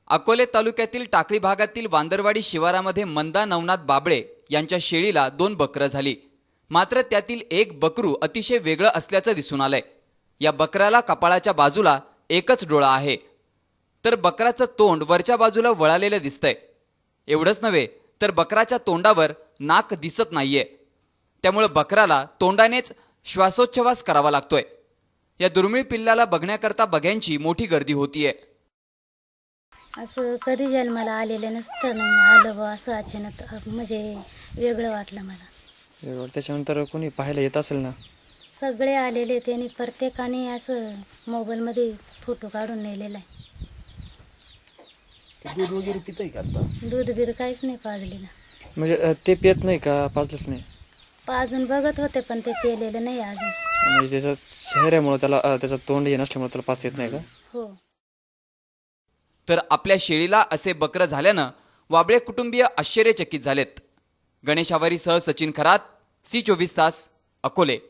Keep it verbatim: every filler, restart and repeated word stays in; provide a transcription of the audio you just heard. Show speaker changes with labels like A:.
A: अकोले तालुक्यातील टाकळी भागातील वांदरवाडी शिवारामध्ये मंदा नवनाथ बाबळे यांच्या शेळीला दोन बकरं झाली। मात्र त्यातील एक बकरू अतिशय वेगळं असल्याचं दिसून आलंय। या बकराला कपाळाच्या बाजूला एकच डोळा आहे, तर बकराचं तोंड वरच्या बाजूला वळालेलं दिसतंय। एवढंच नव्हे तर बकराच्या तोंडावर नाक दिसत नाहीये, त्यामुळे बकराला तोंडानेच श्वासोच्छवास करावा लागतोय। या दुर्मिळ पिल्लाला बघण्याकरता बघ्यांची मोठी गर्दी होतीये।
B: असं कधी जन्माला आलेलं नसतं, नाही आलं बा असं अचानक, म्हणजे वेगळं वाटलं मला।
C: वेगळं त्याच्यानंतर कोणी पाहायला येत असेल ना?
B: सगळे आलेले, त्यांनी प्रत्येकाने असं मोबाईलमध्ये फोटो काढून नेलेला आहे।
D: दूध वगैरे पितंय का आता?
B: दूध बीध काहीच नाही पाजले ना।
C: म्हणजे अ, ते पित नाही का? पाजलंच नाही?
B: पाजून बघत होते पण ते पेलेलं नाही अजून।
C: म्हणजे त्याचा चेहऱ्यामुळे त्याला अ, त्याचं तोंड हे नसल्यामुळे त्याला पाजता येत नाही का?
B: हो।
A: तर आपल्या शेळीला असे बकरं झाल्यानं वाबळे कुटुंबीय आश्चर्यचकित झालेत। गणेश आवारीसह सचिन खरात, सी चोवीस तास, अकोले।